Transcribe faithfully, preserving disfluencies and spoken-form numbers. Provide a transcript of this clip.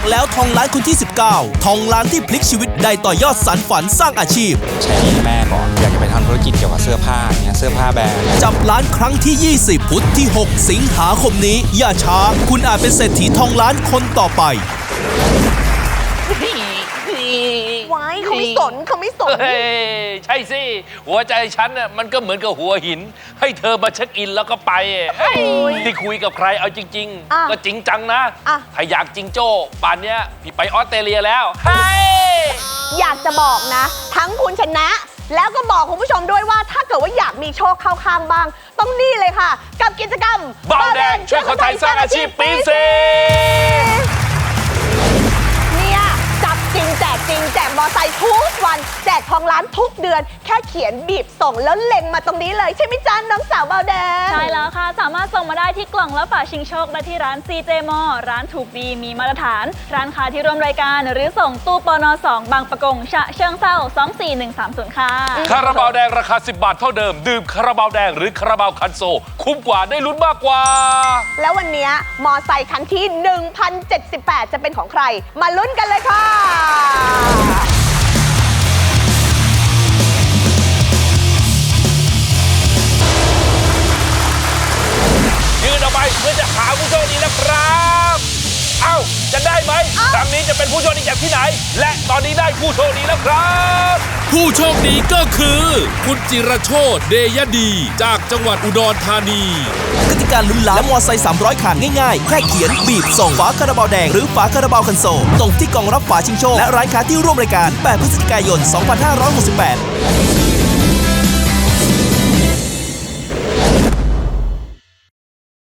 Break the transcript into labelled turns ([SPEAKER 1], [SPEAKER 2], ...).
[SPEAKER 1] แล้วทองล้านคนที่สิบเก้าทองล้านที่พลิกชีวิตได้ต่อยอดสานฝันสร้างอาชีพ
[SPEAKER 2] ใช้หนี้ให้แม่ก่อนอยากจะไปทำธุรกิจเกี่ยวกับเสื้อผ้าเนี่ยเสื้อผ้าแบรนด์
[SPEAKER 1] จับล้านครั้งที่ยี่สิบพุธที่หกสิงหาคมนี้อย่าช้าคุณอาจเป็นเศรษฐีทองล้านคนต่อไป
[SPEAKER 3] ไว้เขาไม่สนเขาไม่สน
[SPEAKER 4] เฮ้ยใช่สิหัวใจฉันน่ะมันก็เหมือนกับหัวหินให้เธอมาเช็คอินแล้วก็ไปที่คุยกับใครเอาจริงๆก็จริงจังนะถ้าอยากจริงโจ้ป่านเนี้ยพี่ไปออสเตรเลียแล้วเฮ้ย
[SPEAKER 3] อยากจะบอกนะทั้งคุณชนะแล้วก็บอกคุณผู้ชมด้วยว่าถ้าเกิดว่าอยากมีโชคเข้าข้างบ้างต้องนี่เลยค่ะกับกิจกรรม
[SPEAKER 4] เบาแดงช่วยคนไทยสร้างอาชีพปีสี่
[SPEAKER 3] เนี่ยจับจริงแจกจริงแจกมอไซค์ทุกวันแจกทองล้านทุกเดือนแค่เขียนบีบส่งแล้วเล็งมาตรงนี้เลยใช่ไหมจ๊ะน้องสาวเบาแดง
[SPEAKER 5] ใช่แล้วค่ะสามารถส่งมาได้ที่กล่องและฝาชิงโชคได้ที่ร้าน ซี เจ มอ ร้านถูกดีมีมาตรฐานร้านค้าที่ร่วมรายการหรือส่งตู้ปนสองบางประกงฉะเชิงเทราสองสี่หนึ่งสามศูนย์ค่ะ
[SPEAKER 4] คาราบาวแดงราคาสิบบาทเท่าเดิมดื่มคาราบาวแดงหรือคาราบาวคันโซคุ้มกว่าได้ลุ้นมากกว่า
[SPEAKER 3] แล้ววันนี้มอไซค์คันที่ หนึ่งพันเจ็ดสิบแปด จะเป็นของใครมาลุ้นกันเลยค่ะ
[SPEAKER 4] ยืนออกไปเพื่อจะหาผู้โชคดีแล้วครับเอ้าจะได้ไหมครั้งนี้จะเป็นผู้โชคดีจากที่ไหนและตอนนี้ได้ผู้โชคดีแล้วครับ
[SPEAKER 1] ผู้โชคดีก็คือคุณจิรโชติเดยดีจากจังหวัดอุดรธานีกติกาลุ้นล้านและมอไซค์สามร้อยคันง่ายๆแค่เขียนบีบส่งฝาคาราบาวแดงหรือฝาคาราบาวคันโซลตรงที่กล่องรับฝาชิงโชคและร้านค้าที่ร่วมรายการแปดพฤศจิกายนสองพันห้าร้อยหกสิบแปด